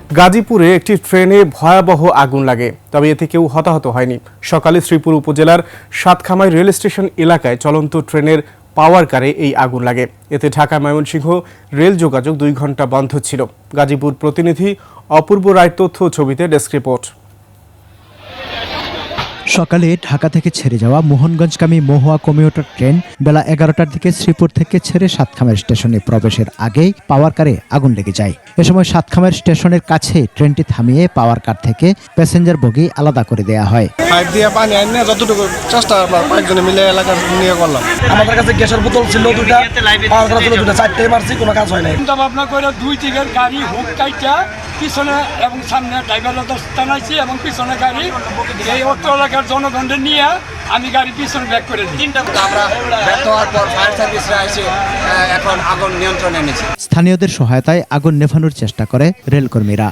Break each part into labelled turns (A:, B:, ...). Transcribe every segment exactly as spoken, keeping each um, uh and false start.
A: গাজীপুরে একটি ট্রেনে ভয়াবহ আগুন লাগে, তবে এতে কেউ হতাহত হয়নি। সকালে শ্রীপুর উপজেলার সাতখামাই রেল স্টেশন এলাকায় চলন্ত ট্রেনের পাওয়ার কারে এই আগুন লাগে। এতে ঢাকা ময়মনসিংহ রেল যোগাযোগ দুই ঘন্টা বন্ধ ছিল। গাজীপুর প্রতিনিধি অপূর্ব রায় তথ্য ছবিতে ডেস্ক রিপোর্ট।
B: সকালে ঢাকা থেকে ছেড়ে যাওয়া মোহনগঞ্জগামী মহুয়া কমিউটার ট্রেন বেলা এগারোটার দিকে শ্রীপুর থেকে ছেড়ে সাতখামের স্টেশনে প্রবেশের আগেই পাওয়ার কারে আগুন লেগে যায়। এ সময় সাতখামের স্টেশনের কাছে ট্রেনটি থামিয়ে পাওয়ার কার থেকে প্যাসেঞ্জার বগি আলাদা করে দেওয়া হয়।
C: পাইপ দিয়ে পানি আনিয়ে যতটুকু চেষ্টা আমরা কয়েকজনে মিলে এলাকা নিয়ে করলাম। আমাদের কাছে গ্যাসের বোতল ছিল দুটা, পাওয়ার কার ছিল দুটা, চারটে মারছি, কোনো কাজ হয় নাই।
D: চিন্তা ভাবনা করে দুই দিকের গাড়ি হুক কাইটা পিছনে এবং সামনে ড্রাইভার টানাইছি এবং পিছনে গাড়ি এই অটো এলাকার জনগণদের নিয়ে আমি গাড়ি পিছনে ব্যাক করে দিই।
E: আমরা ব্যর্থ হওয়ার পর ফায়ার সার্ভিসরা এসে এখন আগুন নিয়ন্ত্রণে এনেছে।
B: স্থানীয়দের সহায়তায় আগুন নেভানোর চেষ্টা করে রেলকর্মীরা।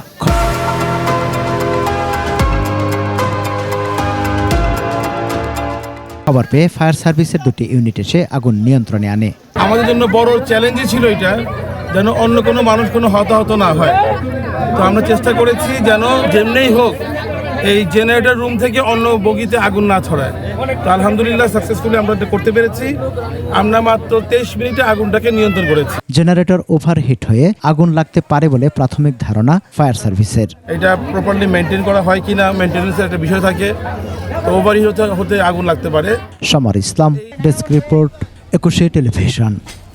B: খবর পেয়ে ফায়ার সার্ভিসের দুটি ইউনিট এসে আগুন নিয়ন্ত্রণে আনে।
F: আমাদের জন্য বড় চ্যালেঞ্জই ছিল এটা, যেন অন্য কোনো মানুষ কোনো হতাহত না হয়। তো আমরা চেষ্টা করেছি যেন যেমনিই হোক এই জেনারেটর রুম থেকে অন্য বগিতে আগুন না ছড়ায়। তো আলহামদুলিল্লাহ সাকসেসফুলি আমরা এটা করতে পেরেছি। আমরা মাত্র তেইশ মিনিটে আগুনটাকে নিয়ন্ত্রণ করেছি।
B: জেনারেটর ওভারহিট হয়ে আগুন লাগতে পারে বলে প্রাথমিক ধারণা ফায়ার সার্ভিসের।
F: এটা প্রপারলি মেনটেন করা হয় কিনা, মেনটেন্যান্সের একটা বিষয় থাকে, তো ওভারহিট হতে আগুন লাগতে পারে।
B: Samar Islam, desk report, Ekushey television.